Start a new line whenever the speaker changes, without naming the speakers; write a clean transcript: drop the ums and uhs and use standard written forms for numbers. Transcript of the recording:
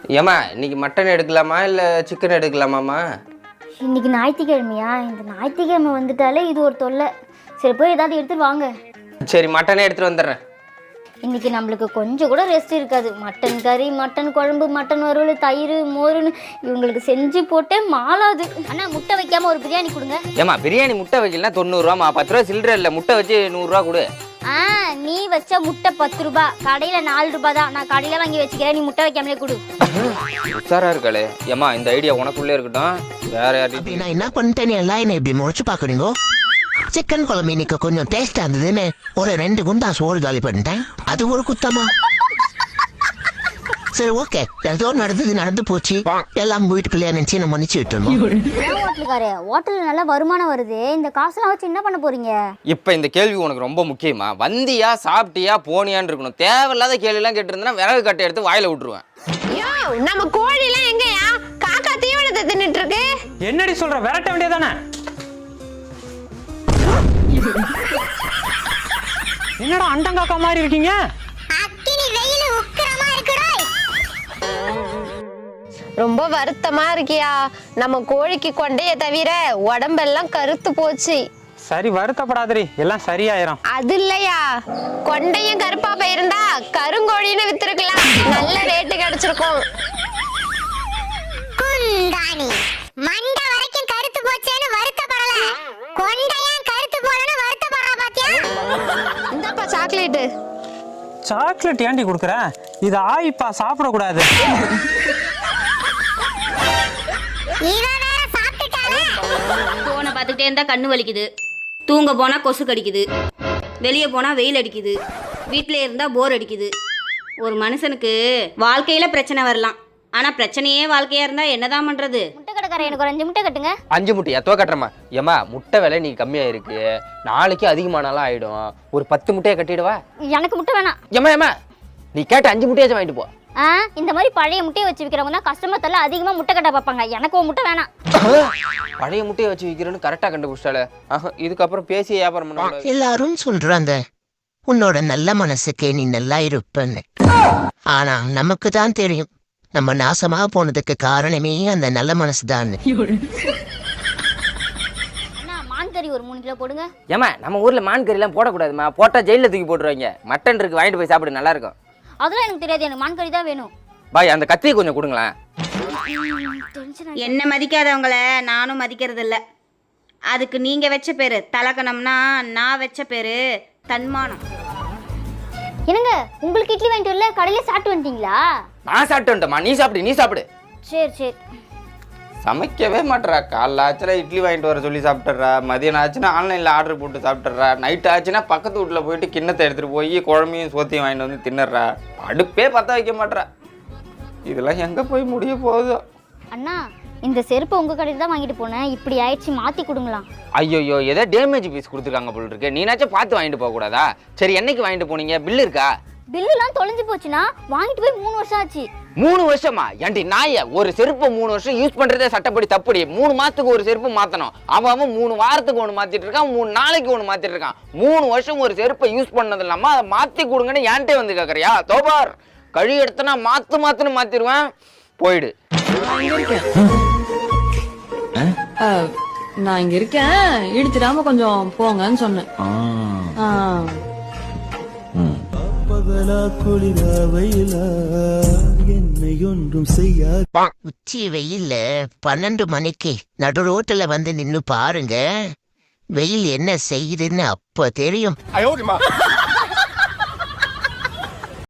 ஏம்மா இன்னைக்கு மட்டன் எடுக்கலாமா இல்லை சிக்கன் எடுக்கலாமாம்மா?
இன்னைக்கு ஞாயிற்றுக்கிழமையா? இந்த ஞாயிற்றுக்கிழமை வந்துட்டாலே இது ஒரு தொல்லை. சரி போய் ஏதாவது எடுத்துட்டு வாங்க.
சரி மட்டனே எடுத்துகிட்டு வந்துடுறேன்.
இன்னைக்கு நம்மளுக்கு கொஞ்சம் கூட ரெஸ்ட் இருக்காது. மட்டன் கறி, மட்டன் குழம்பு, மட்டன் வறுவல், தயிர், மோருன்னு இவங்களுக்கு செஞ்சு போட்டே மாளாது. அண்ணா முட்டை வைக்காம ஒரு பிரியாணி கொடுங்க.
ஏம்மா பிரியாணி முட்டை வைக்கலாம் 90 ரூபாம்மா. 10 ரூபா சில்லற இல்லை, முட்டை வச்சு 100 ரூபா கொடு.
நீ வச்ச முட்டை 10 ரூபா, கடையில் 4 ரூபா தான். நான் கடையில் வாங்கி வச்சுக்கிறேன், நீ முட்டை வைக்காமலே கொடு.
உஷாரா இருக்காளே. ஏம்மா இந்த ஐடியா உனக்குள்ளே இருக்கட்டும், வேற யார்கிட்ட.
நான் என்ன பண்ணிட்டேன் எல்லாம் என்ன இப்படி முடிச்சு பாக்குறீங்க? சிக்கன் குழம்பு இன்னைக்கு கொஞ்சம் டேஸ்டா இருந்ததுன்னு ஒரு 2 குண்டா சோறு காலி பண்ணிட்டேன். அது ஒரு குத்தமா? சரி ஓகே, ஏதோ நடந்து போச்சு. எல்லாம் வீட்டுக்குள்ளே நினைச்சு நம்ம மன்னிச்சு விட்டுருந்தோம்.
ஹோட்டலுக்காரே, ஹோட்டல்ல நல்ல வருமானம் வருது. இந்த காசெல்லாம் வச்சு என்ன பண்ண போறீங்க?
இப்போ இந்த கேள்வி உனக்கு ரொம்ப முக்கியமா? வந்தியா, சாப்பிட்டியா, போனியான்னு இருக்கணும். தேவையில்லாத கேள்வியெல்லாம் கேட்டிருந்தா விறகு கட்டை எடுத்து வாயில விட்டுருவேன்.
நம்ம கோழி எல்லாம் எங்கயா? காக்கா தீவனத்தை தின்னுட்டு இருக்கு.
என்னடி சொல்ற? விரட்ட வேண்டியதானே? என்னடா அண்டங்காக்கா மாதிரி இருக்கீங்க?
ரொம்ப வருத்தமா இருக்கியா? நம்ம கோழிக்கு கொண்டைய தவிர உடம்பெல்லாம் கருத்து போச்சு.
சரி வருத்தப்படாதடி, எல்லாம் சரியாயிரும்.
அது இல்லையா, கொண்டையும் கருப்பா போயிருந்தா கருங்கோழின்னு வித்துருக்கலாம், நல்ல ரேட்டு கிடைச்சிருக்கும்.
குந்தாணி மண்டை வரைக்கும் கருத்து போச்சேன்னு வருத்தப்படல, கொண்டையும் கருத்து போறன்னு வருத்தப்படுறா பாத்தியா?
இந்தப்பா சாக்லேட்.
சாக்லேட் ஏண்டி குடுக்குற? இது ஆயிப்பா, சாப்பிடக்கூடாது.
போனை பார்த்துக்கிட்டே இருந்தா கண்ணு வலிக்குது, தூங்க போனா கொசு கடிக்குது, வெளியே போனா வெயில் அடிக்குது, வீட்டிலே இருந்தா போர் அடிக்குது. ஒரு மனுஷனுக்கு வாழ்க்கையில பிரச்சனை வரலாம், ஆனா பிரச்சனையே வாழ்க்கையா இருந்தா என்னதான் பண்றது?
முட்டை கடைக்காரன், எனக்கு ஒரு 5 முட்டை கட்டுங்க.
5 முட்டை எத்தோ கட்டுறமா? ஏம்மா முட்டை விலை நீ கம்மியா இருக்கு, நாளைக்கு அதிகமானாலும் ஆயிடும். ஒரு 10 முட்டையை கட்டிடுவா.
எனக்கு முட்டை வேணாம்.
ஏம்மா நீ கேட்ட 5 முட்டையாச்சும் வாங்கிட்டு போ.
இந்த மாதிரி பழைய முட்டையை வச்சு விற்கிறவங்க தான் கஸ்டமர் தரல அதிகமா முட்டை கட்ட பார்ப்பாங்க. எனக்கு ஒரு முட்டை வேணாம்.
பழைய முட்டையை வச்சு விற்கிறேன்னு கரெக்டா கண்டுபிடிச்சால. இதுக்கப்புறம் பேசி வியாபாரம் பண்ண.
எல்லாரும் சொல்றாங்க உன்னோட நல்ல மனசுக்கே நீ நல்லா இருப்பன்னு. ஆனா நமக்கு தான் தெரியும் நம்ம நாசமா போனதுக்கு காரணமே அந்த நல்ல மனசு தான்.
மான் கறி ஒரு 3 கிலோ போடுங்க.
ஏமா நம்ம ஊர்ல மான் கறி எல்லாம் போடக்கூடாதுமா, போட்டா ஜெயில தூக்கி போட்டுருவாங்க. மட்டன் இருக்கு, வாங்கிட்டு போய் சாப்பிடு, நல்லா இருக்கும்.
அதெல்லாம் எனக்கு தெரியாது, எனக்கு மான் கறி தான் வேணும்.
பாய் அந்த கத்தியை கொஞ்சம் கொடுங்களேன்.
என்ன மதிக்காதவங்கள நானும் மதிக்கிறது இல்ல. அதுக்கு நீங்க வச்ச பேரு தலக்கணம்னா, நான் வச்ச பேரு தன்மானம்.
என்னங்க உங்களுக்கு இட்லி வாங்கிட்டு வரல, கடையில சாப்பிட்டு வந்துட்டீங்களா?
நான் சாப்பிட்டு வந்துட்டேம்மா, நீ சாப்பிடு.
சரி சரி.
சமைக்கவே மாட்டேறா. காலைல ஆச்சுன்னா இட்லி வாங்கிட்டு வர சொல்லி சாப்பிட்டுறா, மதியம் ஆச்சுன்னா ஆன்லைனில் ஆர்டர் போட்டு சாப்பிட்டுறா, நைட் ஆச்சுன்னா பக்கத்து வீட்டில் போயிட்டு கிண்ணத்தை எடுத்துகிட்டு போய் குழம்பையும் சோத்தையும் வாங்கிட்டு வந்து தின்னுறா. அடுப்பே பற்ற வைக்க மாட்டேறா. இதெல்லாம் எங்கே போய் முடிய போகுதோ?
அண்ணா இந்த செருப்பை உங்கள் கடையில் தான் வாங்கிட்டு போனேன், இப்படி ஆயிடுச்சு, மாற்றி கொடுங்களா?
ஐயோ ஏதோ டேமேஜ் பீஸ் கொடுத்துருக்காங்க போல் இருக்கு. நீனாச்சும் பார்த்து வாங்கிட்டு போகக்கூடாதா? சரி என்னைக்கு வாங்கிட்டு போனீங்க? பில்லு இருக்கா?
பில்லுலாம் தொலைஞ்சு போச்சுன்னா வாங்கிட்டு போய் 3 வருஷம் ஆச்சு.
3 வருஷமா? ஏன்டி நாய, ஒரு செருப்பை 3 வருஷம் யூஸ் பண்றதே சட்டப்படி தப்புடி. 3 மாசத்துக்கு ஒரு செருப்பு மாத்தணும். அவன் 3 வாரத்துக்கு ஒன்று மாத்திட்டு இருக்கான், 3 நாளைக்கு ஒன்று மாத்திட்டு இருக்கான். 3 வருஷம் ஒரு செருப்பை யூஸ் பண்ணது இல்லாம அதை மாத்தி கொடுங்கன்னு ஏன்ட்டே வந்து கேட்கறியா? தோபார் கழி எடுத்தனா மாத்துன்னு மாத்திருவேன். போயிடு.
நான் இங்க இருக்கேன், இடிச்சிடாம கொஞ்சம் போங்கன்னு சொன்னேன்.
உச்சி வெயில்ல 12 மணிக்கு நடு ரோட்டுல வந்து நின்னு பாருங்க, வெயில் என்ன செய்யுதுன்னு அப்ப தெரியும்.